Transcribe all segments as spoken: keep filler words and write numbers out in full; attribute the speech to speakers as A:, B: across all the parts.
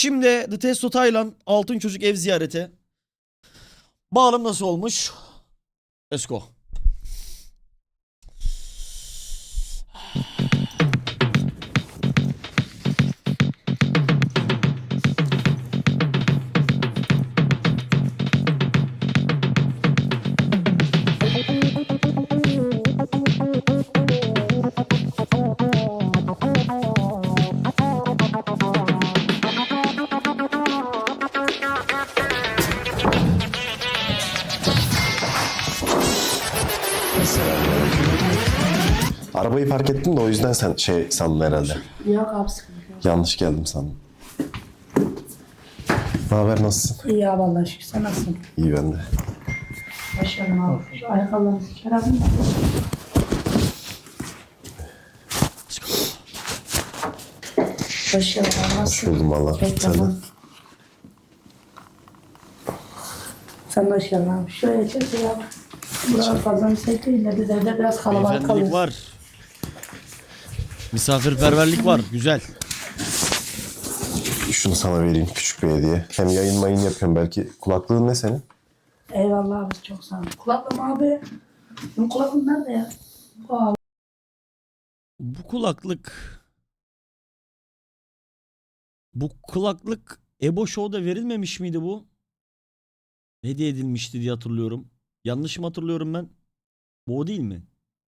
A: Şimdi The Testo Taylan Altın Çocuk ev ziyareti. Bağlam nasıl olmuş? Let's go.
B: Arabayı park ettim de o yüzden sen şey sandın herhalde.
C: Yok abi, sıkıntı yok.
B: Yanlış geldim sandım. Ne haber, nasılsın?
C: İyi abi, Allah'a şükür. Sen nasılsın?
B: İyi ben de.
C: Hoş geldin abi. Şu ayakkabılarını siker abi. Hoş geldin abi. Nasılsın?
B: Buldum valla.
C: Peki,
B: Sen de.
C: tamam. Sen de hoş geldin abi. Şuraya çek ya abi. Buralar fazla müsait değil de biz evde biraz kalabalık
A: Beyefendilik
C: kalıyoruz.
A: var. Misafirperverlik var. Güzel.
B: Şunu sana vereyim, küçük bir hediye. Hem yayın mayın yapıyorum belki. Kulaklığın ne senin?
C: Eyvallah abi, çok sağ ol. Kulaklığım abi. Benim kulaklığım nerede ya? O abi.
A: Bu kulaklık... Bu kulaklık Ebo Show'da verilmemiş miydi bu? Hediye edilmişti diye hatırlıyorum. Yanlış mı hatırlıyorum ben? Bu o değil mi?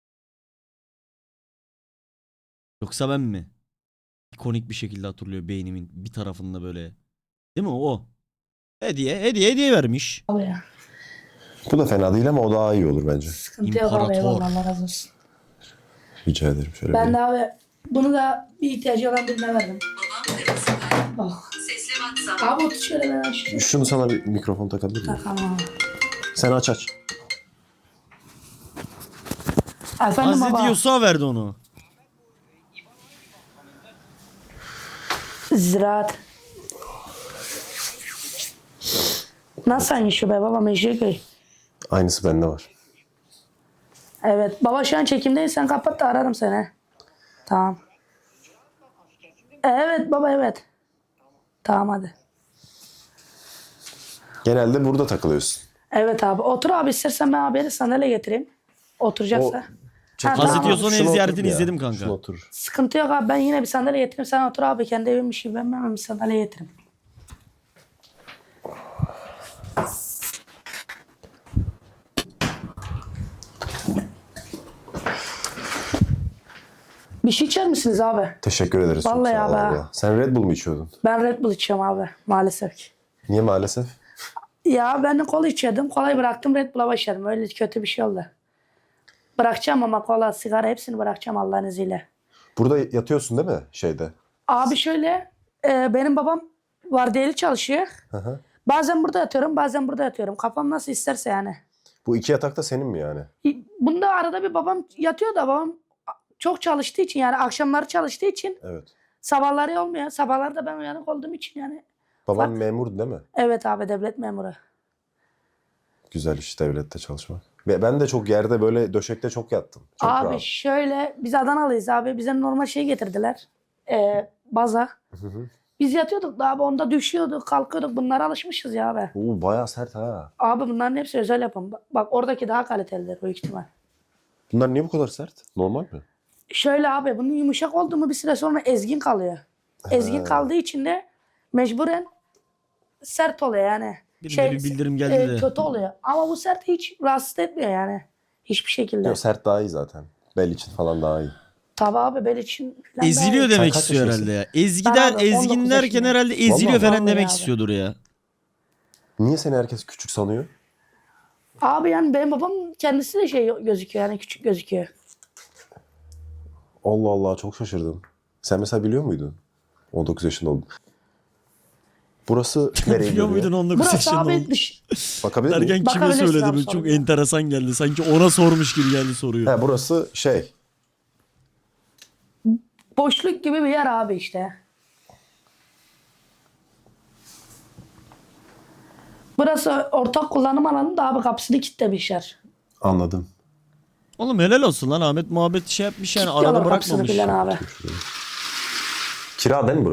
A: Yoksa ben mi? İkonik bir şekilde hatırlıyor beynimin bir tarafında böyle. Değil mi o? Hediye, hediye, hediye vermiş.
C: Abi ya.
B: Bu da fena değil ama o daha iyi olur bence.
C: Sıkıntı yok abi,
A: İmparator.
C: eyvallah, Allah razı olsun.
B: Rica ederim. Şöyle
C: Ben
B: bir.
C: de abi bunu da bir ihtiyacı olan birine verdim. Bak.
D: Sesli WhatsApp.
C: Abi otur şöyle, ben açayım.
B: Şunu sana bir mikrofon takabilir miyim?
C: Takalım abi.
B: Sen aç aç.
C: Efendim
A: Hazreti
C: baba.
A: Yusuf'a verdi onu.
C: Ziraat. Nasıl aynı şu be baba, Meşriköy.
B: Aynısı bende var.
C: Evet baba, şu an çekimdeyiz, sen kapat da ararım seni. Tamam. Evet baba, evet. Tamam hadi.
B: Genelde burada takılıyorsun.
C: Evet abi, otur abi, istersen ben abiye de sandalye getireyim. Oturacaksa.
B: O-
C: Ha,
A: Hazreti
C: tamam.
A: Yusuf'un ev
B: Şuna
A: ziyaretini
B: otur ya.
A: izledim kanka.
B: Şuna otur.
C: Sıkıntı yok abi, ben yine bir sandalye getireyim, sen otur abi, kendi evimmiş gibi ben hemen bir sandalye getireyim. Bir şey içer misiniz abi?
B: Teşekkür ederiz. çok
C: Vallahi
B: sağ ol
C: abi.
B: valla. Sen Red Bull mu içiyordun?
C: Ben Red Bull içiyorum abi maalesef ki.
B: Niye maalesef?
C: Ya ben de kola içiyordum. Kolayı bıraktım, Red Bull'a başladım. Öyle kötü bir şey oldu. Bırakacağım ama kola, sigara hepsini bırakacağım Allah'ın izniyle.
B: Burada yatıyorsun değil mi şeyde?
C: Abi şöyle, e, benim babam vardiyeli çalışıyor.
B: Hı hı.
C: Bazen burada yatıyorum, bazen burada yatıyorum. Kafam nasıl isterse yani.
B: Bu iki yatak da senin mi yani?
C: Bunda arada bir babam yatıyor da babam çok çalıştığı için, yani akşamları çalıştığı için
B: Evet.
C: sabahları olmuyor. Sabahları da ben uyanık olduğum için yani.
B: Baban
C: Bak.
B: memur değil mi?
C: Evet abi, devlet memuru.
B: Güzel iş devlette çalışmak. Ve Ben de çok yerde böyle döşekte çok yattım. Çok
C: Abi
B: rahat.
C: şöyle, biz Adanalıyız abi. Bize normal şey getirdiler. Ee, baza.
B: Hı hı.
C: Biz yatıyorduk da abi, onda düşüyorduk, kalkıyorduk. Bunlara alışmışız ya abi.
B: Oo, bayağı sert ha.
C: Abi bunların hepsi özel yapım. Bak, bak oradaki daha kalitelidir büyük ihtimal.
B: Bunlar niye bu kadar sert? Normal mi?
C: Şöyle abi, bunun yumuşak oldu mu bir süre sonra ezgin kalıyor. Ezgin kaldığı için de mecburen sert oluyor yani.
A: Benim de bir bildirim geldi
C: e,
A: de.
C: Kötü oluyor. Ama bu sert hiç rahatsız etmiyor yani. Hiçbir şekilde.
B: Yok, sert daha iyi zaten. Bel için falan daha iyi.
C: Tabii abi, bel için falan
A: Eziliyor
C: daha iyi.
A: demek
B: kaç
A: istiyor
B: yaşındasın?
A: herhalde ya. Ezgi
C: Ben
A: der,
C: abi, on
A: ezgin
C: dokuz
A: derken
C: yaşındayım.
A: herhalde eziliyor
B: Vallahi.
A: falan
C: Vallahi
A: demek
C: abi.
A: istiyordur ya.
B: Niye seni herkes küçük sanıyor?
C: Abi yani benim babam kendisi de şey gözüküyor, yani küçük gözüküyor.
B: Allah Allah, çok şaşırdım. Sen mesela biliyor muydun? on dokuz yaşında oldun. Burası nereye
A: Biliyor
B: gidiyor?
A: muydun on dokuz
C: Burası
A: yaşında
C: abi
A: oldu?
C: dış.
B: Bakabilir miyim?
A: Derken kime
C: Bakabilirsin
A: söyledi
C: abi,
A: bu?
C: sorun
A: Çok
C: yok.
A: enteresan geldi. Sanki ona sormuş gibi geldi soruyu.
B: He, burası şey.
C: Boşluk gibi bir yer abi işte. Burası ortak kullanım alanı da abi, kapısını kilitlemişler.
B: Anladım.
A: Oğlum helal olsun lan, Ahmet muhabbet şey yapmış yani, arada
C: Kilitliyorlar kapısını
A: bırakmamış.
C: filan abi.
B: Kira değil mi burası?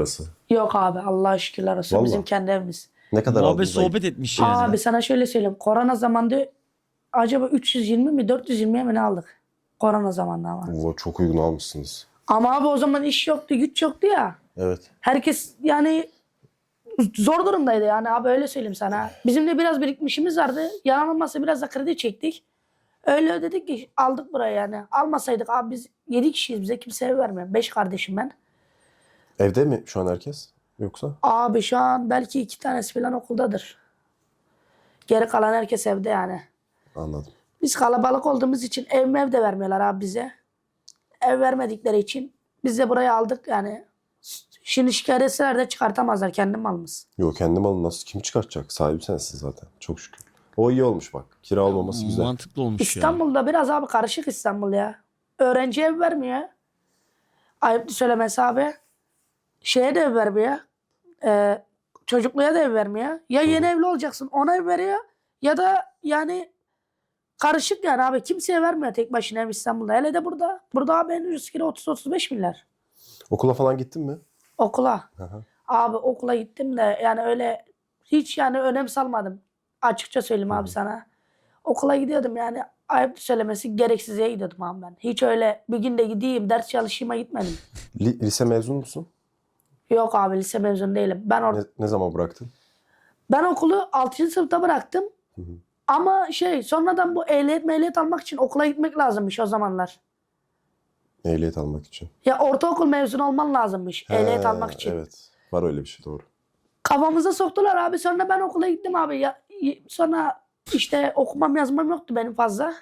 C: Yok abi Allah'a şükürler olsun.
B: Vallahi.
C: Bizim kendi evimiz.
B: Ne kadar
A: Muhabbet
B: aldınız ayıp?
A: sohbet etmiş yani.
C: Abi sana şöyle söyleyeyim. Korona zamanında acaba üç yüz yirmi mi dört yüz yirmiye mi ne aldık? Korona zamanında ama.
B: Oo, çok uygun almışsınız.
C: Ama abi o zaman iş yoktu, güç yoktu ya.
B: Evet.
C: Herkes yani zor durumdaydı yani abi öyle söyleyeyim sana. Bizim de biraz birikmişimiz vardı. Yalan olmazsa biraz da kredi çektik. Öyle ödedik ki aldık burayı yani. Almasaydık abi biz yedi kişiyiz, bize kimse ev vermiyor. beş kardeşim ben.
B: Evde mi şu an herkes? Yoksa?
C: Abi şu an belki iki tanesi falan okuldadır. Geri kalan herkes evde yani.
B: Anladım.
C: Biz kalabalık olduğumuz için ev mev de vermiyorlar abi bize. Ev vermedikleri için biz de burayı aldık yani. Şimdi şikayet etseler de çıkartamazlar, kendi malımız.
B: Yok, kendi malını nasıl kim çıkartacak? Sahibi sensin zaten. Çok şükür. O iyi olmuş bak. Kira olmaması güzel.
A: Mantıklı olmuş ya.
C: İstanbul'da biraz abi karışık İstanbul ya. Öğrenci ev vermiyor. Ayıp söylemesi abi. Şeye de ev vermiyor. Ee, çocukluya da ev vermiyor. Ya yeni evli olacaksın ona ev veriyor. Ya da yani karışık yani abi. Kimseye vermiyor tek başına ev İstanbul'da. Hele de burada. Burada abi en ucuz kira otuz otuz beş milyar.
B: Okula falan gittin mi?
C: Okula.
B: Hı hı.
C: Abi okula gittim de yani öyle hiç yani önem salmadım. Açıkça söyleyeyim abi sana. Okula gidiyordum yani ayıp söylemesi gereksiziye gidiyordum abi ben. Hiç öyle bir gün de gideyim ders çalışayım'a gitmedim.
B: Li- lise mezun musun?
C: Yok abi lise mezun değilim. Ben or
B: Ne, ne zaman bıraktın?
C: ben okulu altıncı sınıfta bıraktım.
B: Hı hı.
C: Ama şey sonradan bu ehliyet mehliyet almak için okula gitmek lazımmış o zamanlar.
B: Ehliyet almak için.
C: Ya ortaokul mezunu olman lazımmış ehliyet
B: He,
C: almak için.
B: Evet. Var öyle bir şey, doğru.
C: Kafamıza soktular abi. Sonra ben okula gittim abi. Ya, y- sonra işte okumam yazmam yoktu benim fazla.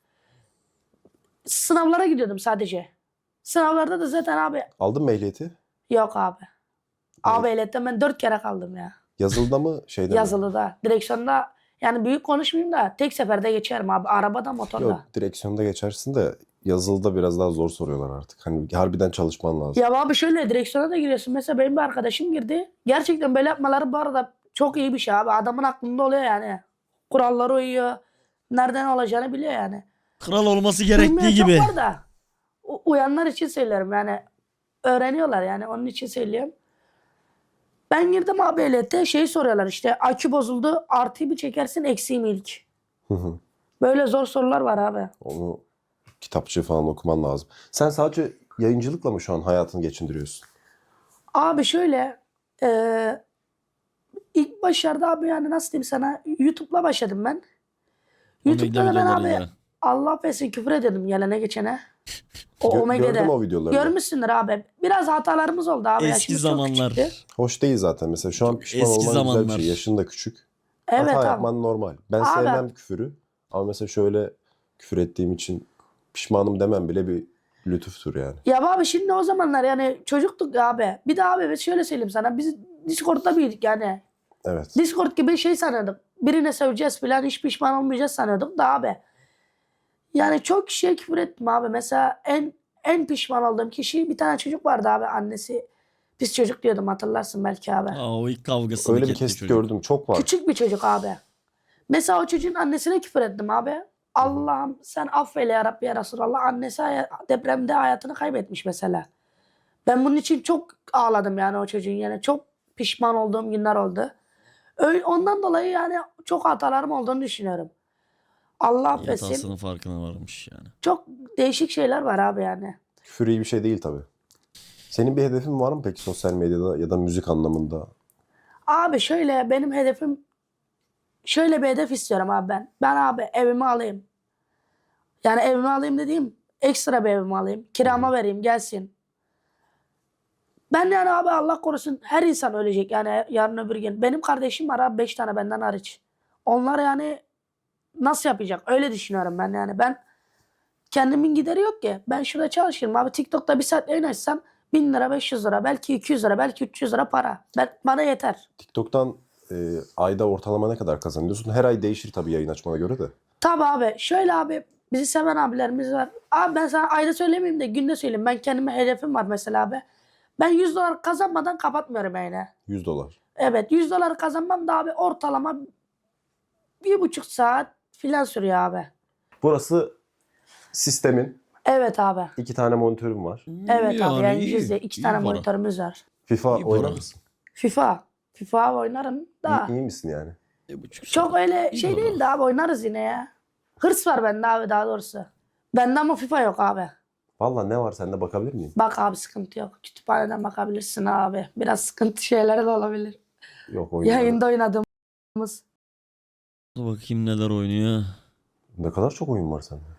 C: Sınavlara gidiyordum sadece. Sınavlarda da zaten abi
B: Aldın mı ehliyeti?
C: yok abi. Abi ehliyetten ben dört kere kaldım ya.
B: Yazılıda mı şeyde mi?
C: Yazılıda. Direksiyonda yani büyük konuşmayayım da tek seferde geçerim abi. Arabada motorda.
B: Yok, direksiyonda geçersin de yazılıda biraz daha zor soruyorlar artık. Hani harbiden çalışman lazım.
C: Ya abi şöyle direksiyona da giriyorsun. Mesela benim bir arkadaşım girdi. Gerçekten böyle yapmaları bu arada çok iyi bir şey abi. Adamın aklında oluyor yani. Kurallara uyuyor. Nereden olacağını biliyor yani.
A: Kral olması gerektiği
C: Bilmeyen
A: gibi.
C: çok var da u- uyanlar için söylüyorum yani. Öğreniyorlar yani onun için söylüyorum. Ben girdim abi ehliyete şey soruyorlar işte akü bozuldu artıyı mı çekersin eksiği mi ilk?
B: Hı hı.
C: Böyle zor sorular var abi.
B: Onu kitapçı falan okuman lazım. Sen sadece yayıncılıkla mı şu an hayatını geçindiriyorsun?
C: Abi şöyle eee ilk başlarda abi yani nasıl diyeyim sana YouTube'la başladım ben. YouTube'da da ben abi
A: videolarıyla.
C: Allah affetsin küfür ediyordum gelene geçene. O
B: Gö-
C: Omega'da.
B: gördüm o videoları.
C: Görmüşsündür abi. Biraz hatalarımız oldu abi.
A: Eski
C: Yaşımız çok
A: zamanlar.
C: küçüktü.
B: Hoş değil zaten. Mesela şu an
A: Çok
B: pişman
A: eski
B: olman güzel bir
A: zamanlar.
B: şey. Yaşın da küçük.
C: Evet
B: Hata
C: abi.
B: yapman normal. Ben
C: Abi.
B: sevmem küfürü. Ama mesela şöyle küfür ettiğim için pişmanım demem bile bir lütuftur yani.
C: Ya abi şimdi o zamanlar yani çocuktuk abi. Bir de abi biz şöyle söyleyeyim sana. Biz Discord'da büyüdük yani.
B: Evet.
C: Discord gibi şey sanıyorduk. Birine söveceğiz falan hiç pişman olmayacağız sanıyorduk da abi. Yani çok kişiye küfür ettim abi. Mesela en en pişman olduğum kişi bir tane çocuk vardı abi. Annesi pis çocuk diyordum hatırlarsın belki abi.
A: Aa, o ilk kavgasını
B: Öyle bir
A: etti
B: kesit
A: çocuk.
B: gördüm. Çok var.
C: Küçük bir çocuk abi. Mesela o çocuğun annesine küfür ettim abi. Allah'ım sen affeyle ya Rabbi ya Resulallah. Annesi haya- depremde hayatını kaybetmiş mesela. Ben bunun için çok ağladım yani o çocuğun yani. Çok pişman olduğum günler oldu. Öyle, ondan dolayı yani çok hatalarım olduğunu düşünüyorum. Allah affetsin.
A: Hatasının farkına varmış yani.
C: Çok değişik şeyler var abi yani.
B: Küfür iyi bir şey değil tabii. Senin bir hedefin var mı peki sosyal medyada ya da müzik anlamında?
C: Abi şöyle benim hedefim şöyle bir hedef istiyorum abi ben. Ben abi evimi alayım. Yani evimi alayım dediğim ekstra bir evimi alayım. Kirama vereyim gelsin. Ben yani abi Allah korusun her insan ölecek yani yarın öbür gün. Benim kardeşim var abi beş tane benden hariç. Onlar yani nasıl yapacak? Öyle düşünüyorum ben yani. Ben kendimin gideri yok ki. Ben şurada çalışırım abi. TikTok'ta bir saat yayın açsam bin lira, beş yüz lira, belki iki yüz lira, belki üç yüz lira para. Ben, bana yeter.
B: TikTok'tan e, ayda ortalama ne kadar kazanıyorsun? Her ay değişir tabii yayın açmana göre de.
C: Tabii abi. Şöyle abi bizi seven abilerimiz var. Abi ben sana ayda söylemeyeyim de günde söyleyeyim. Ben kendime hedefim var mesela abi. Ben yüz dolar kazanmadan kapatmıyorum yayını.
B: yüz dolar.
C: Evet yüz dolar kazanmam da abi ortalama bir buçuk saat filan sürüyor abi.
B: Burası sistemin.
C: Evet abi.
B: iki tane monitörüm var.
C: Evet abi
A: Yani
C: yayıncıyız
A: iyi,
C: diye iki
A: iyi
C: tane
A: para.
C: monitörümüz var.
B: FIFA
A: İyi
B: oynar
A: para.
B: mısın?
C: FIFA. FIFA oynarım da.
B: İyi, iyi misin yani?
A: Bir buçuk
C: Çok
A: saat.
C: öyle
A: İyi
C: şey
A: baba.
C: değil de abi oynarız yine ya. Hırs var bende abi daha doğrusu. Bende ama FIFA yok abi.
B: Vallahi ne var sende bakabilir miyim?
C: Bak abi sıkıntı yok. Kütüphaneden bakabilirsin abi. Biraz sıkıntı şeyler de olabilir.
B: Yok oyun.
C: Yayında oynadığımız.
A: Dur bakayım neler oynuyor.
B: Ne kadar çok oyun var sende.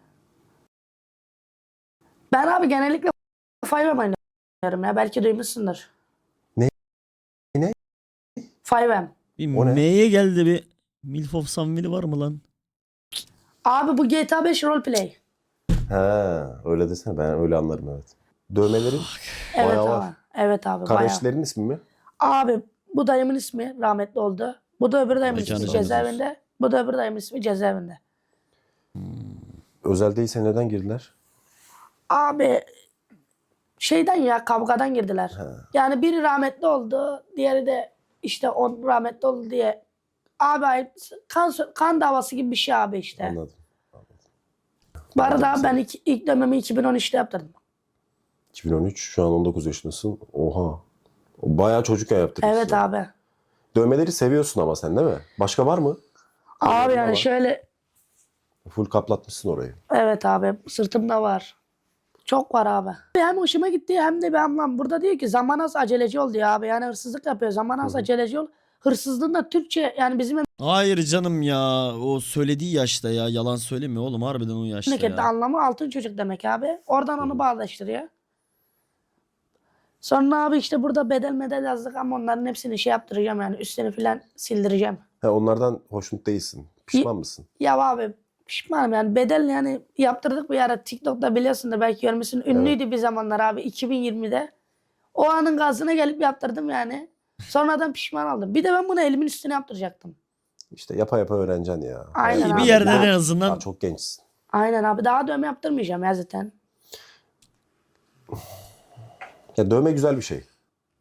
C: Ben abi genellikle beş M oynuyorum ya. Belki duymuşsundur.
B: Ne? Ne?
C: beş M.
A: Bir
B: O ne?
A: M'ye geldi bir. Milf of Samville var mı lan?
C: Abi bu G T A beş roleplay.
B: He, öyle desene ben öyle anlarım evet. Dövmelerin
C: Evet
B: bayağı
C: abi.
B: var.
C: Evet abi bayağı.
B: Kardeşlerin ismi mi?
C: Abi bu dayımın ismi rahmetli oldu. Bu da öbür dayımın
A: Mekanı
C: ismi
A: cennet
C: cezaevinde. Bu da öbür dayımın ismi cezaevinde.
B: Özel değilse neden girdiler?
C: Abi şeyden ya kavgadan girdiler.
B: He.
C: Yani biri rahmetli oldu. Diğeri de işte on rahmetli oldu diye. Abi kan, kan davası gibi bir şey abi işte.
B: Anladım.
C: Bu arada
B: Anladım
C: ben
B: seni.
C: ilk, ilk dönemimi iki bin on üçte yaptırdım.
B: iki bin on üç şu an on dokuz yaşındasın. Oha. Bayağı çocukken yaptırmışsın.
C: Evet
B: yani.
C: abi.
B: Dövmeleri seviyorsun ama sen değil mi? Başka var mı?
C: Abi
B: Dövmelerin
C: yani
B: var.
C: şöyle
B: Full kaplatmışsın orayı.
C: evet abi sırtımda var. Çok var abi. Hem hoşuma gitti hem de bir anlam. Burada diyor ki zaman az aceleci ol diyor abi. Yani hırsızlık yapıyor. Zaman az
B: Hı hı.
C: aceleci ol. Hırsızlığın da Türkçe yani bizim
A: Hayır canım ya. O söylediği yaşta ya. Yalan söylemiyor oğlum. Harbiden o yaşta
C: memlekette
A: ya.
C: anlamı altın çocuk demek abi. Oradan
B: Hı
C: onu
B: hı.
C: bağdaştırıyor. Sonra abi işte burada bedel medel yazdık ama onların hepsini şey yaptıracağım yani üstünü falan sildireceğim.
B: He, onlardan hoşnut değilsin. Pişman mısın?
C: Ya abi pişmanım yani bedel yani yaptırdık bir ara TikTok'ta biliyorsun da belki görmüşsün. Ünlüydü bir zamanlar abi iki bin yirmide. O anın gazına gelip yaptırdım yani. Sonradan pişman oldum. Bir de ben bunu elimin üstüne yaptıracaktım.
B: İşte yapa yapa öğreneceksin ya.
C: Aynen
B: Hayat
C: abi.
A: Bir
B: böyle
A: yerde
B: gidiyor.
A: en
B: Daha
A: azından
B: çok gençsin.
C: Aynen abi daha dövme yaptırmayacağım ya zaten.
B: Ya dövme güzel bir şey.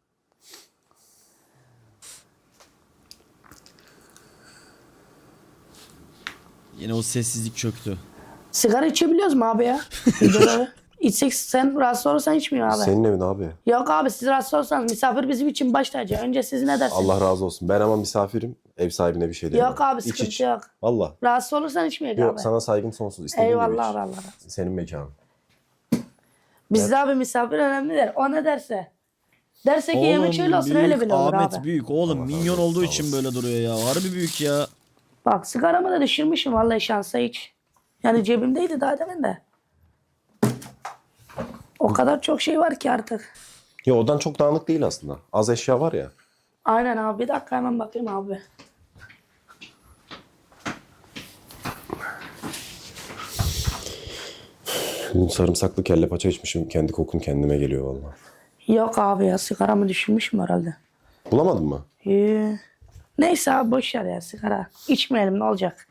A: yine o sessizlik çöktü.
C: Sigara içebiliyoruz mu abi ya? Videoda. İçsek sen rahatsız olursan içmiyor abi.
B: Senin evin abi.
C: Yok abi siz rahatsız olursanız misafir bizim için baş tacı. Önce siz ne dersiniz?
B: Allah razı olsun. Ben ama misafirim. Ev sahibine bir şey diyemem.
C: Yok abi
B: İç
C: sıkıntı
B: iç.
C: yok.
B: Valla.
C: Rahatsız olursan içmiyor
B: Yok
C: abi.
B: sana saygım sonsuz. İstediğin gibi
C: Eyvallah
B: iç.
C: abi Allah razı olsun.
B: Senin mekanın.
C: Bizde abi misafir önemlidir. O ne derse. Derse ki yemek şöyle olsun
A: büyük
C: öyle bile olur
A: Ahmet
C: abi.
A: büyük oğlum.
B: Allah razı
A: Minyon
B: olsun,
A: olduğu
B: sağ
A: için
B: olasın.
A: böyle duruyor ya. Harbi büyük ya.
C: Bak sigaramı da düşürmüşüm vallahi şansa hiç. Yani cebimdeydi daha demin de. O kadar çok şey var ki artık.
B: Ya odan çok dağınık değil aslında. Az eşya var ya.
C: Aynen abi bir dakika hemen bakayım abi.
B: Bugün sarımsaklı kelle paça içmişim. Kendi kokun kendime geliyor valla.
C: Yok abi ya sigaramı düşürmüşüm herhalde.
B: Bulamadın mı?
C: Ee, neyse abi boş ver ya sigara. İçmeyelim ne olacak?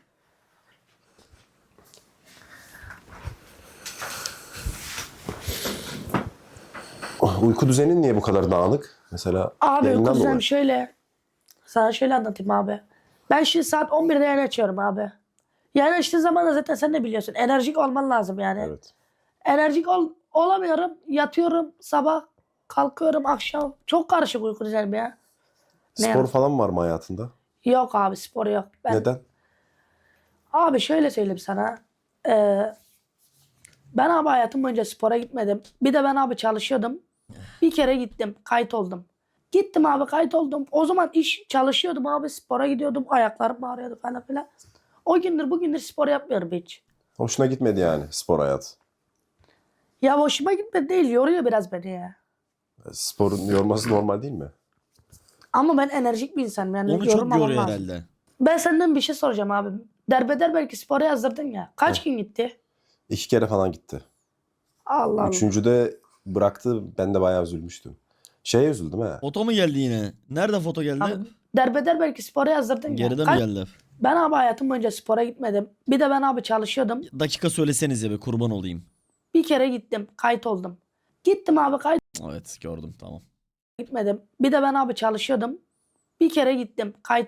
B: Ah, uyku düzenin niye bu kadar dağınık? Mesela
C: Abi
B: yayından
C: kuzen
B: dolayı.
C: şöyle. Sana şöyle anlatayım abi. Ben şimdi saat on birde yayın açıyorum abi. Yayın açtığın zaman da zaten sen de biliyorsun. Enerjik olman lazım yani.
B: Evet.
C: Enerjik ol, olamıyorum. Yatıyorum sabah. Kalkıyorum akşam. Çok karışık uyku düzenim ya. Ne
B: Spor
C: ya?
B: falan var mı hayatında?
C: Yok abi spor yok. Ben,
B: Neden?
C: Abi şöyle söyleyeyim sana. Ee, ben abi hayatım boyunca spora gitmedim. Bir de ben abi çalışıyordum. Bir kere gittim. Kayıt oldum. Gittim abi kayıt oldum. O zaman iş çalışıyordum abi. Spora gidiyordum. Ayaklarım ağrıyordu falan filan. O gündür bugündür spor yapmıyorum hiç.
B: Hoşuna gitmedi yani spor hayatı.
C: Ya hoşuma gitmedi değil. Yoruyor biraz beni ya.
B: Sporun yorması normal değil mi?
C: Ama ben enerjik bir insanım. Yani
A: Onu çok
C: yorulmamam
A: görüyor
C: lazım.
A: herhalde.
C: Ben senden bir şey soracağım abi. Derbeder belki spora yazdırdın ya. Kaç gün gitti?
B: İki kere falan gitti.
C: Allah Allah.
B: Üçüncüde bıraktı. Ben de bayağı üzülmüştüm. Şeye üzüldüm ha.
A: Foto mu geldi yine? Nerede foto geldi?
C: Abi, derbeder belki spora yazdırdın ya.
A: Geride mi
C: Kaç-
A: geldi?
C: Ben abi hayatım boyunca spora gitmedim. Bir de ben abi çalışıyordum.
A: Dakika söylesenize be kurban olayım.
C: Bir kere gittim. Kayıt oldum. Gittim abi kayıt
A: Evet gördüm tamam.
C: gitmedim. Bir de ben abi çalışıyordum. Bir kere gittim. Kayıt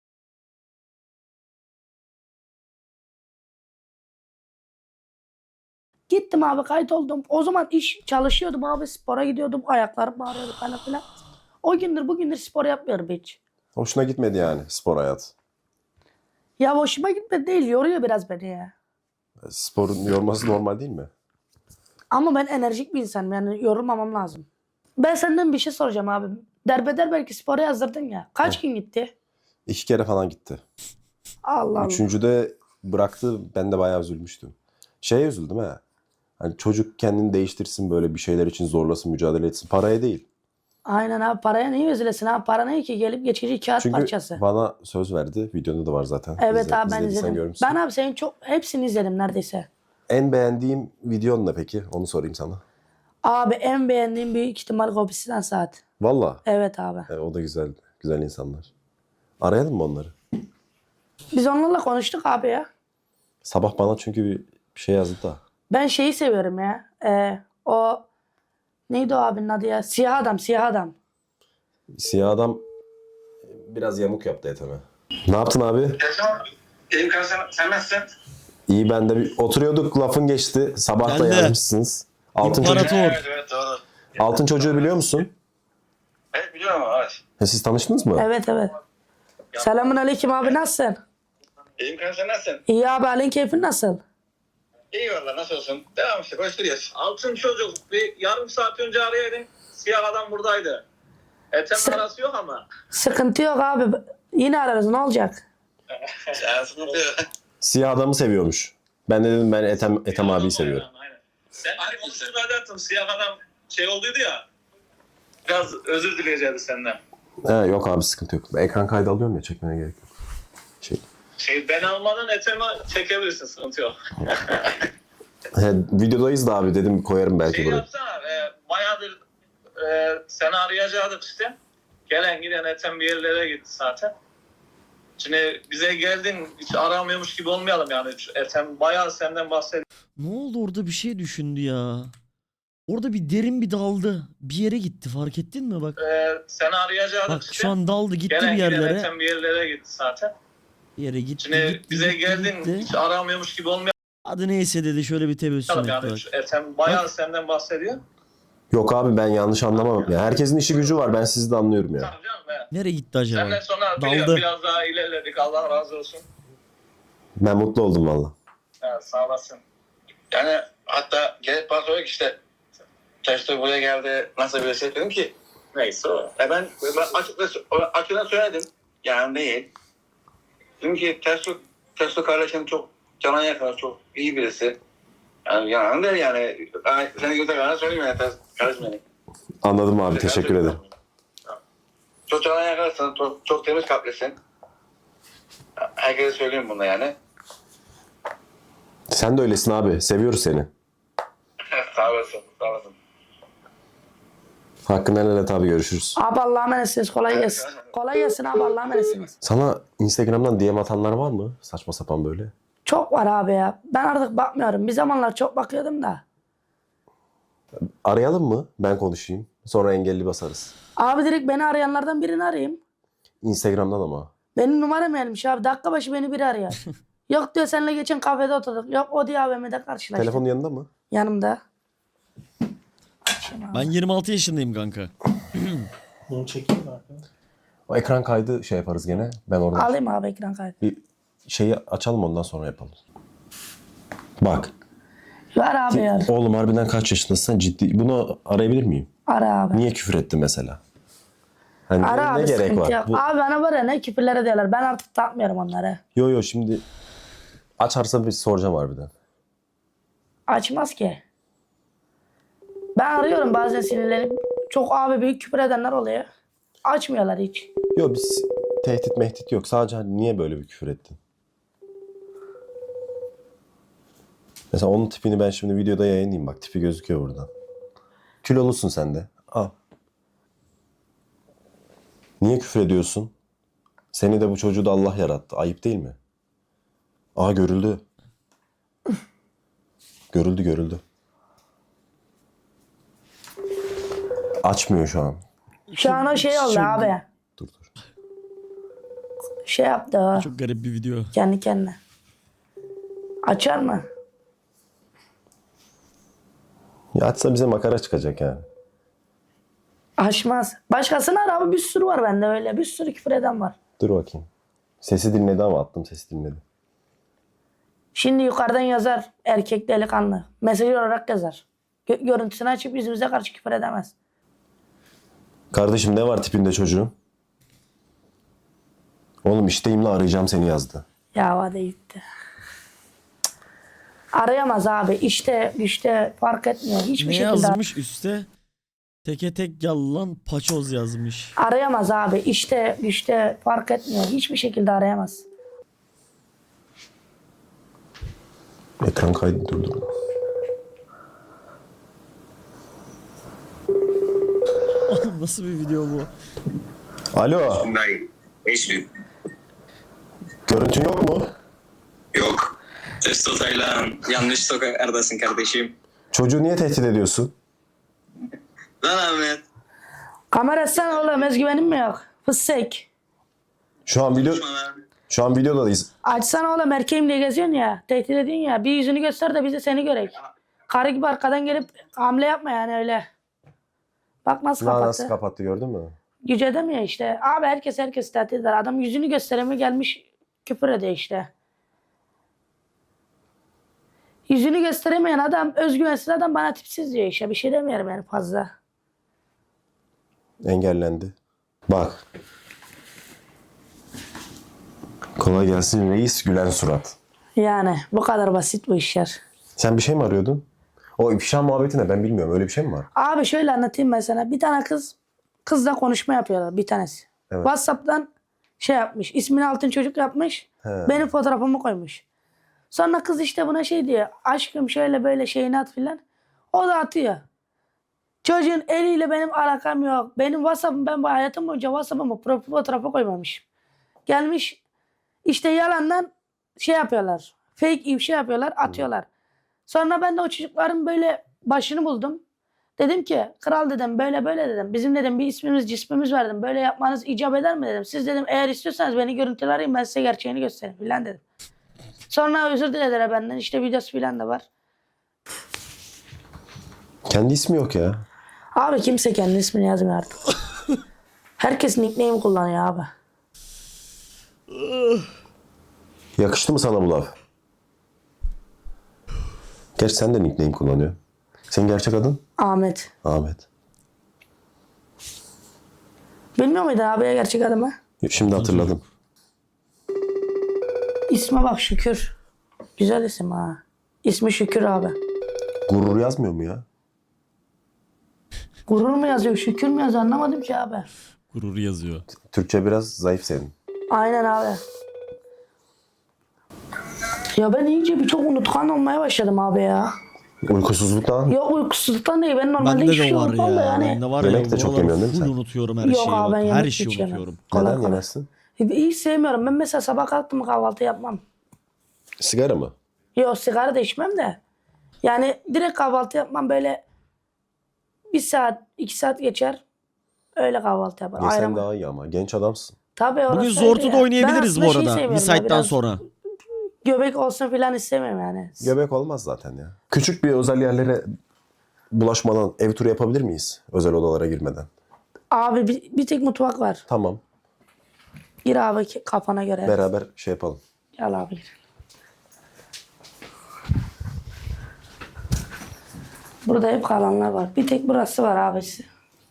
C: gittim gittim abi, kayıt oldum. O zaman iş çalışıyordum abi, spora gidiyordum. Ayaklarım ağrıyordu falan filan. O gündür bugündür spor yapmıyorum hiç.
B: Hoşuna gitmedi yani spor hayat.
C: Ya hoşuma gitmedi değil, yoruyor biraz beni ya.
B: Sporun yorması normal değil mi?
C: Ama ben enerjik bir insanım, yani yorulmamam lazım. Ben senden bir şey soracağım abi. Derbeder belki spora yazdırdın ya. Kaç gün gitti?
B: İki kere falan gitti.
C: Allah Allah.
B: Üçüncüde bıraktı. Ben de bayağı üzülmüştüm. Şeye üzüldüm ha. Hani çocuk kendini değiştirsin, böyle bir şeyler için zorlasın, mücadele etsin. Paraya değil.
C: Aynen abi, paraya niye üzülesin abi? Para ne ki, gelip geçici kağıt
B: Çünkü
C: parçası.
B: bana söz verdi. Videoda da var zaten.
C: Evet
B: İzle-
C: abi, ben
B: izlediysen
C: izledim.
B: görmüşsün.
C: Ben abi senin çok hepsini izledim neredeyse.
B: En beğendiğim videon ne peki? Onu sorayım sana.
C: Abi en beğendiğim büyük ihtimal Gobisi'den saat.
B: Valla.
C: Evet abi.
B: E, o da güzel. Güzel insanlar. Arayalım mı onları?
C: Biz onlarla konuştuk abi ya.
B: Sabah bana çünkü bir şey yazdı da.
C: Ben şeyi seviyorum ya. Ee, o neydi o abinin adı ya? Siyah adam, siyah adam.
B: Siyah adam biraz yamuk yaptı eteme. Ne yaptın abi?
D: Yaşam, İyiyim kanka, sen, sen nasılsın?
B: İyi, ben de bir oturuyorduk, lafın geçti. Sabah da
A: Geldi.
B: yazmışsınız. Altın,
A: İmparator.
B: çocuk,
D: Evet, evet, doğru.
B: altın çocuğu biliyor musun?
D: Evet, biliyorum ama evet.
B: Ha, siz tanıştınız mı?
C: Evet evet. Selamun aleyküm abi, nasılsın?
D: İyiyim kanka, sen nasılsın?
C: İyi abi, halin keyfin nasıl?
D: İyi valla, nasıl olsun? Devam işte, koşturuyoruz. Altın çocuk, bir yarım saat önce arayaydın. Siyah adam buradaydı. Etem
C: Sen-
D: arası yok ama.
C: Sıkıntı yok abi. Yine ararız, ne olacak?
D: Yani sıkıntı yok.
B: Siyah adamı seviyormuş. Ben de dedim ben Ethem, Ethem abiyi seviyorum.
D: Aynen. Ben hani onu ifade ettim, siyah adam şey olduydu ya. Biraz özür dileyeceğiz senden.
B: He, yok abi, sıkıntı yok. Ben ekran kaydı alıyorum ya, çekmene gerek yok. Şey,
D: Şey, ben almadan Etem'i çekebilirsin, sıkıntı yok.
B: he, videodayız da abi, dedim koyarım belki
D: Şey
B: buraya.
D: yapsana, e, bayağıdır e, seni arayacaktık işte. Gelen giden Ethem bir yerlere gitti zaten. Şimdi bize geldin, hiç aramıyormuş gibi olmayalım yani. Ethem bayağı senden bahsediyor.
A: Ne oldu orada, bir şey düşündü ya. Orada bir derin bir daldı. Bir yere gitti, fark ettin mi bak.
D: E, seni arayacaktık
A: Bak
D: işte.
A: şu an daldı gitti
D: Gelen
A: bir
D: giden
A: yerlere.
D: Ethem bir yerlere gitti zaten.
A: Bir yere gitti,
D: Şimdi
A: gitti,
D: bize
A: gitti,
D: geldin,
A: gitti.
D: hiç aramıyormuş gibi olmayalım
A: Hadi neyse dedi, şöyle bir tebessüm etti
D: yani.
A: bak.
D: Ethem bayağı
A: Bak.
D: senden bahsediyor.
B: Yok abi, ben yanlış anlamam. Ya, herkesin işi gücü var, ben sizi de anlıyorum ya.
D: Tamam canım, evet.
A: Nereye gitti acaba?
D: Senden sonra
A: Daldı.
D: biraz, biraz daha ilerledik. Allah razı olsun.
B: Ben mutlu oldum valla.
D: Evet, sağ olasın. Yani hatta gelip bana soruyor ki işte Testo buraya geldi, nasıl bir şey dedim ki neyse o. E ben, ben açıkça, açıkça söyledim. Yani değil. Dedim ki Testo, Testo kardeşim çok cana yakın, çok iyi birisi. Yani yalan değil yani. Ben seni göze kadar söyleyeyim yani Testo kardeşim benim.
B: Anladım abi, teşekkür ederim.
D: Çok cana yakarsın, çok, çok temiz kalplisin. Herkese söyleyeyim bunu yani.
B: Sen de öylesin abi, seviyoruz seni.
D: Sağ olasın, sağ olasın.
B: Hakkını helal et abi, görüşürüz.
C: Abi Allah'a emanetsiniz, kolay gelsin. Kolay gelsin abi, Allah'a emanetsiniz.
B: Sana Instagram'dan D M atanlar var mı? Saçma sapan böyle.
C: Çok var abi ya. Ben artık bakmıyorum. Bir zamanlar çok bakıyordum da.
B: Arayalım mı? Ben konuşayım. Sonra engelli basarız.
C: Abi direkt beni arayanlardan birini arayayım.
B: Instagram'dan ama.
C: Benim numaram gelmiş abi. Dakika başı beni biri arıyor. Yok diyor, seninle geçen kafede oturduk. Yok o diyor A V M'de karşılaştık.
B: Telefonun yanında mı?
C: Yanımda.
A: Ben yirmi altı yaşındayım kanka.
E: Bunu çekeyim mi arkadaşlar?
B: O ekran kaydı şey yaparız gene. Ben oradan
C: Alayım abi ekran kaydı.
B: bir şeyi açalım, ondan sonra yapalım. Bak.
C: Ver abi ya.
B: Oğlum harbiden kaç yaşındasın? Sen ciddi. Bunu arayabilir miyim?
C: Ara abi.
B: Niye küfür etti mesela? Hani
C: Ara
B: ne
C: abi,
B: gerek
C: sıkıntı
B: var?
C: yok.
B: Bu...
C: Abi bana var ya, ne küfürlere diyorlar. Ben artık takmıyorum onları.
B: Yo yo, şimdi açarsa bir soracağım harbiden.
C: Açmaz ki. Ben arıyorum bazen sinirlenip. Çok abi büyük küfür edenler oluyor. Açmıyorlar hiç.
B: Yo, biz tehdit mehdit yok. Sadece hani niye böyle bir küfür ettin? Mesela onun tipini ben şimdi videoda yayınlayayım. Bak, tipi gözüküyor buradan. Kilolusun sen de. Al. Niye küfür ediyorsun? Seni de bu çocuğu da Allah yarattı. Ayıp değil mi? Aa, görüldü. Görüldü görüldü. Açmıyor şu an.
C: Şu an o şey oldu
A: çok-
C: abi.
B: Dur dur.
C: Şey yaptı o.
A: Çok garip bir video.
C: Kendi kendine. Açar mı?
B: Ya açsa bize makara çıkacak yani.
C: Açmaz. Başkasına ara abi, bir sürü var bende öyle. Bir sürü küfür eden var.
B: Dur bakayım. Sesi dinledi ama attım sesi dinledi.
C: Şimdi yukarıdan yazar erkek delikanlı. Mesaj olarak yazar. Gö- görüntüsünü açıp yüzümüze karşı küfür edemez.
B: Kardeşim ne var tipinde çocuğun? Oğlum işteyim la arayacağım seni yazdı.
C: Ya hadi gitti. Arayamaz abi. İşte güçte fark etmiyor. Hiçbir
A: Ne
C: şekilde
A: yazmış üstte? Teke tek yalan paçoz yazmış.
C: arayamaz abi. İşte güçte fark etmiyor. Hiçbir şekilde arayamaz.
B: Ekran kaydı durdur.
A: Oğlum nasıl bir video bu?
B: Alo.
F: Nein, hiçbir.
B: Görüntün yok mu?
F: Yok. Testotayla yanlış sokaklardasın kardeşim.
B: Çocuğu niye tehdit ediyorsun?
F: Lan Ahmet.
C: Kamera sen oğlum, özgüvenin mi yok? Fısık.
B: Şu an video
F: Konuşma lan.
B: şu an videodayız.
C: Açsana oğlum, erkeğim diye geziyorsun ya. Tehdit ediyorsun ya. Bir yüzünü göster de biz de seni görek. Karı gibi arkadan gelip hamle yapma yani öyle. Bak nasıl
B: Lan
C: kapattı.
B: nasıl kapattı gördün mü?
C: Güç edemiyor işte. Abi herkes herkes tehdit eder. Adam yüzünü gösteremiyor, gelmiş küfür ediyor işte. Yüzünü gösteremeyen adam, özgüvensiz adam bana tipsiz diyor işte. Bir şey demiyorum yani fazla.
B: Engellendi. Bak. Kolay gelsin reis, gülen surat.
C: Yani bu kadar basit bu işler.
B: Sen bir şey mi arıyordun? O ifşa muhabbeti ne, ben bilmiyorum. Öyle bir şey mi var?
C: Abi şöyle anlatayım ben sana. Bir tane kız, kızla konuşma yapıyorlar bir tanesi.
B: Evet.
C: WhatsApp'tan şey yapmış. İsmini altın çocuk yapmış.
B: He.
C: Benim fotoğrafımı koymuş. Sonra kız işte buna şey diyor. Aşkım şöyle böyle şeyini at filan. O da atıyor. Çocuğun eliyle benim alakam yok. Benim WhatsApp'ım, ben bu hayatım boyunca WhatsApp'ıma profil fotoğrafı koymamışım. Gelmiş işte yalandan şey yapıyorlar. Fake ifşa yapıyorlar, atıyorlar. Sonra ben de o çocukların böyle başını buldum. Dedim ki kral dedim, böyle böyle dedim. Bizim dedim bir ismimiz cismimiz var dedim. Böyle yapmanız icap eder mi dedim. Siz dedim eğer istiyorsanız beni görüntüler arayın, ben size gerçeğini göstereyim filan dedim. Sonra özür dilediler benden. İşte videosu filan da var.
B: Kendi ismi yok ya.
C: Abi kimse kendi ismini yazmıyor artık. Herkes nickname kullanıyor abi.
B: Yakıştı mı sana bu laf? Gerçi sen de nickname kullanıyor. Senin gerçek adın?
C: Ahmet.
B: Ahmet.
C: Bilmiyor muydun abiye gerçek adımı?
B: Şimdi hatırladım.
C: İsme bak, Şükür. Güzel isim ha. İsmi Şükür abi.
B: Gurur yazmıyor mu ya?
C: Gurur mu yazıyor, Şükür mü yazıyor anlamadım ki abi.
A: Gurur yazıyor.
B: Türkçe biraz zayıf senin.
C: Aynen abi. Ya ben iyice birçok unutkan olmaya başladım abi ya.
B: Uykusuzluktan.
C: Yok uykusuzluktan değil. Ben normalde
A: Bende
C: hiçbir
A: de
C: şey
A: var
C: unutmam da
A: ya.
C: yani.
A: Bende var ya.
B: Yemek de çok
A: buralar
B: yemiyorsun değil mi
A: full
B: sen?
A: unutuyorum her
C: Yok
A: şeyi.
C: abi, ben
A: Her
C: yemek
A: şeyi
C: hiç yemem.
A: unutuyorum.
C: Kolay
B: Neden
C: kolay.
B: yemezsin?
C: Hiç sevmiyorum. Ben mesela sabah kalktım kahvaltı yapmam.
B: Sigara mı?
C: Yok sigara da içmem de. Yani direkt kahvaltı yapmam, böyle bir saat, iki saat geçer. Öyle kahvaltı yaparım.
B: Yesen
C: Ayran-
B: daha iyi ama. Genç adamsın.
C: Tabii orası
A: Bugün
C: öyle
A: Zortu'da
C: ya. Ben
A: oynayabiliriz
C: aslında
A: bu
C: şeyi
A: arada.
C: seviyorum
A: Bir
C: ya,
A: saatten
C: biraz
A: sonra.
C: Göbek olsun filan istemiyorum yani.
B: Göbek olmaz zaten ya. Küçük bir özel yerlere bulaşmadan ev turu yapabilir miyiz? Özel odalara girmeden.
C: Abi bir, bir tek mutfak var.
B: Tamam.
C: Gir abi ki- kafana göre.
B: Beraber şey yapalım.
C: Gel abi gir. Burada hep kalanlar var. Bir tek burası var abisi.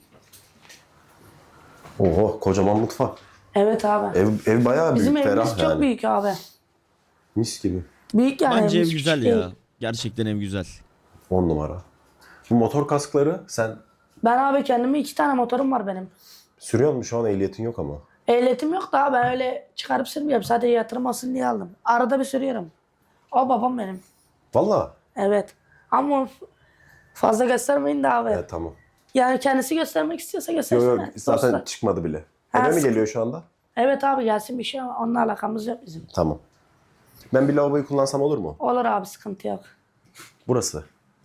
B: Oho, kocaman mutfak.
C: Evet abi.
B: Ev, ev bayağı büyük,
C: Bizim evimiz
B: ferah
C: çok
B: yani.
C: büyük abi.
B: Mis gibi.
C: Büyük yani.
A: Bence ev
C: evimiz,
A: güzel
C: küçük
A: ya.
C: değil.
A: Gerçekten ev güzel.
B: On numara. Bu motor kaskları sen
C: Ben abi kendime iki tane motorum var benim.
B: sürüyor musun? Şu an ehliyetin yok ama.
C: Ehliyetim yok da ben öyle çıkarıp sürmüyorum. Sadece yatırım olsun diye aldım. Arada bir sürüyorum. O babam benim.
B: Valla.
C: Evet. Ama fazla göstermeyin de abi.
B: Evet tamam.
C: Yani kendisi göstermek istiyorsa
B: Yok
C: göstersin.
B: yok
C: de.
B: zaten
C: Dostlar.
B: çıkmadı bile.
C: Ha,
B: Eve mi
C: sık-
B: geliyor şu anda?
C: Evet abi gelsin bir şey ama onunla alakamız yok bizim.
B: Tamam. Ben bir lavaboyu kullansam olur mu?
C: Olur abi, sıkıntı yok.
B: Burası.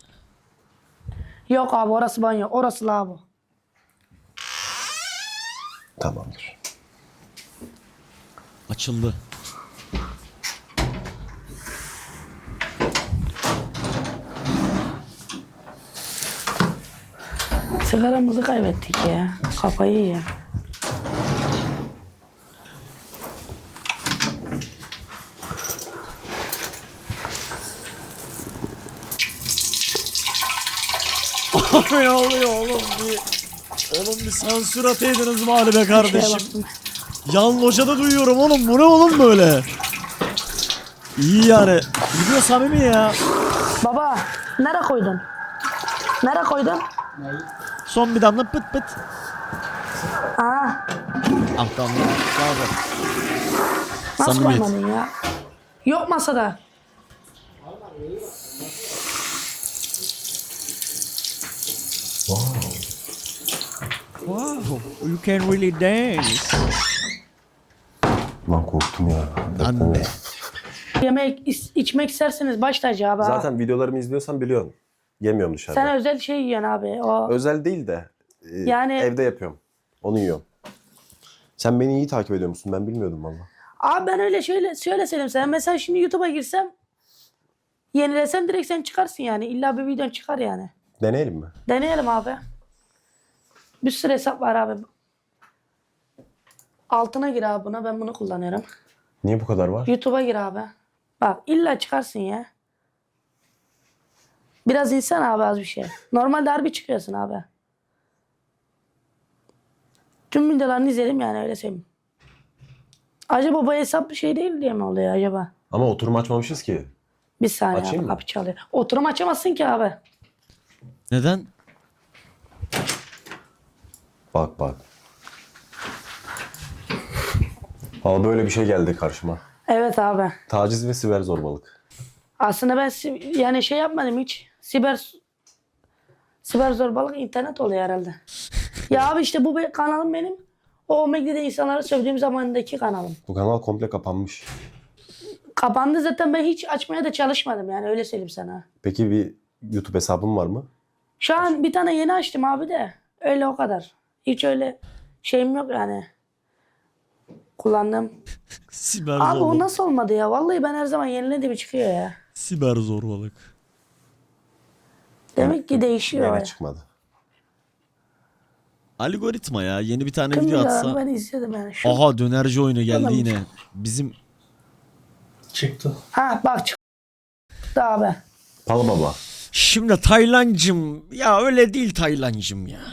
C: Yok abi orası banyo. Orası lavabo.
B: Tamamdır.
A: Açıldı.
C: Sigaramızı kaybettik ya. Kafayı ya.
A: Abi ne oluyor oğlum bir... Oğlum bir sansür ataydınız mı be
C: Şeye
A: kardeşim?
C: baktım.
A: Yan locada duyuyorum oğlum. Bu ne oğlum böyle? İyi yani. Video samimi ya.
C: Baba nereye koydun? Nereye koydun?
A: Son bir damla pıt pıt.
C: Aa,
A: Ah damla. Bravo.
C: nasıl
A: Samimiyet.
C: koymadın ya? Yok masada.
A: Wow. You can really dance.
B: Lan korktum ya.
A: Anne.
C: Yemek is- içmek isterseniz baş tacı abi. ha.
B: Zaten videolarımı izliyorsan biliyorsun. Yemiyorum dışarıda.
C: Sen özel şey yiyorsun abi. O
B: Özel değil de e,
C: Yani-
B: evde yapıyorum. Onu yiyorum. Sen beni iyi takip ediyor musun? Ben bilmiyordum valla.
C: Abi ben öyle şöyle şöyle söyleyeyim sana. Mesela şimdi YouTube'a girsem yenilesem direkt sen çıkarsın yani. İlla bir videon çıkar yani.
B: Deneyelim mi?
C: Deneyelim abi. Bir sürü hesap var abi. Altına gir abi buna. Ben bunu kullanıyorum.
B: Niye bu kadar var?
C: YouTube'a gir abi. Bak illa çıkarsın ya. Biraz insan abi az bir şey. Normalde harbi çıkıyorsun abi. Tüm videolarını izledim yani öyle söyleyeyim. Acaba bu hesap bir şey değil diye mi oluyor acaba?
B: Ama oturum açmamışız ki.
C: Bir saniye
B: Açayım
C: abi
B: mı?
C: kapı çalıyor. Oturum açamazsın ki abi.
A: Neden?
B: Bak bak. Valla böyle bir şey geldi karşıma.
C: Evet abi.
B: Taciz ve siber zorbalık.
C: Aslında ben si- yani şey yapmadım hiç. Siber siber zorbalık internet oluyor herhalde. Ya abi işte bu be- kanalım benim. O Omegle'de insanları sövdüğüm zamandaki kanalım.
B: Bu kanal komple kapanmış.
C: Kapandı zaten, ben hiç açmaya da çalışmadım yani öyle söyleyeyim sana.
B: Peki bir YouTube hesabın var mı?
C: Şu an bir tane yeni açtım abi de. Öyle o kadar. Hiç öyle şeyim yok yani. Kullandım.
A: Siber
C: Abi o
A: zorbalık.
C: nasıl olmadı ya? Vallahi ben her zaman yenilediğim çıkıyor ya.
A: Siber zorbalık.
C: Demek ki değişiyor.
B: Gene
C: ya.
B: çıkmadı.
A: Algoritma ya. Yeni bir tane
C: Tüm
A: video
C: videolarını
A: atsa.
C: ben izledim yani. Şu...
A: Aha dönerci oyunu geldi
C: Tamam.
A: yine. Bizim
E: Çıktı.
C: Ha bak çıktı abi.
B: Pal baba.
A: şimdi Taylancım ya öyle değil Taylancım ya.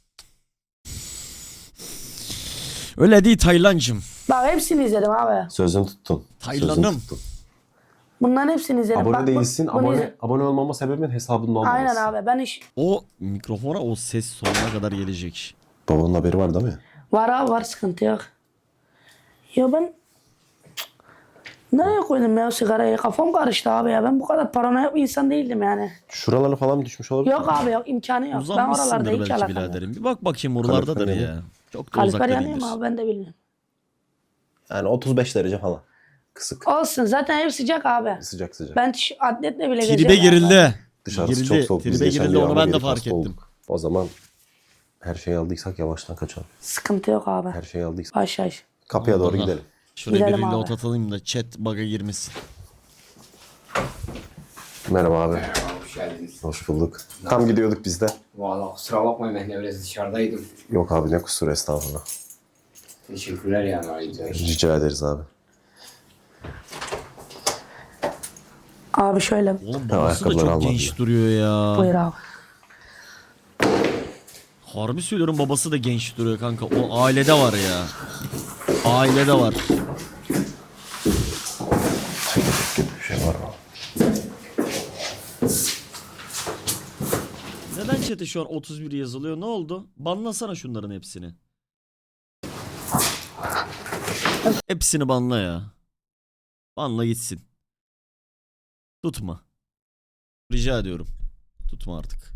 A: Öyle değil Taylancım.
C: Bak hepsini izledim abi.
B: Sözünü tuttun.
A: Taylanım.
B: Sözünü tuttun.
C: Bunların hepsini izledim.
B: Abone
C: Bak, bu-
B: değilsin.
C: bunu
B: Abone,
C: izle-
B: abone olmama sebebin hesabının olmaması.
C: Aynen abi. Ben iş...
A: O mikrofona o ses sonuna kadar gelecek.
B: Babanın haberi var değil mi?
C: Var abi var, sıkıntı yok. Ya ben... Cık. Nereye koydum ya o sigarayı? Kafam karıştı abi ya. Ben bu kadar paranoyak bir insan değildim yani.
B: Şuralara falan mı düşmüş olabilir?
C: Yok abi yok, imkanı yok. Ben oralarda
A: Uzanmışsındır
C: hiç
A: belki
C: alakam yok.
A: biraderim. Bir bak bakayım oralardadır
B: Kalifer
A: ya.
B: yanıyor.
A: Çok da
C: Kalifer
A: uzakta
C: yanıyor
A: değildir.
C: mu abi, ben de bilmiyorum.
B: Yani otuz beş derece falan. Kısık.
C: Olsun zaten ev sıcak abi.
B: Sıcak sıcak.
C: Ben tiş- atletle bile
A: Tribe
C: geziyorum. abi.
A: girildi.
B: Dışarısı
A: Girildi.
B: çok soğuk. Biz
A: Tribe
B: geçen
A: girildi
B: bir
A: onu
B: yağmur
A: ben de
B: yedik,
A: fark
B: hasta
A: ettim.
B: olduk. O zaman her şeyi aldıysak yavaştan kaçalım.
C: Sıkıntı yok abi.
B: Her şeyi aldıysak
C: Baş baş.
B: kapıya doğru
A: Aha.
B: gidelim.
A: Şuraya
C: Gidelim
A: bir
C: abi.
A: reload atalım da chat bug'a girmesin.
B: Merhaba abi.
G: Hoş geldiniz.
B: Hoş bulduk. Tam gidiyorduk biz de.
G: Valla kusura bakmayın, ben de biraz dışarıdaydım.
B: Yok abi ne kusur, estağfurullah.
G: Teşekkürler yani ayrıca.
B: Rica ederiz abi.
C: Abi şöyle
A: Oğlum babası da
B: ayakkabıları
A: çok
B: almadı
A: genç
B: ya.
A: duruyor ya.
C: buyur abi.
A: Harbi söylüyorum babası da genç duruyor kanka. O ailede var ya. Ailede var.
B: Gibi bir şey var mı?
A: Neden chat'e şu an otuz bir yazılıyor? Ne oldu? Banlasana şunların hepsini. Hepsini banla ya. Banla gitsin. Tutma. Rica ediyorum. Tutma artık.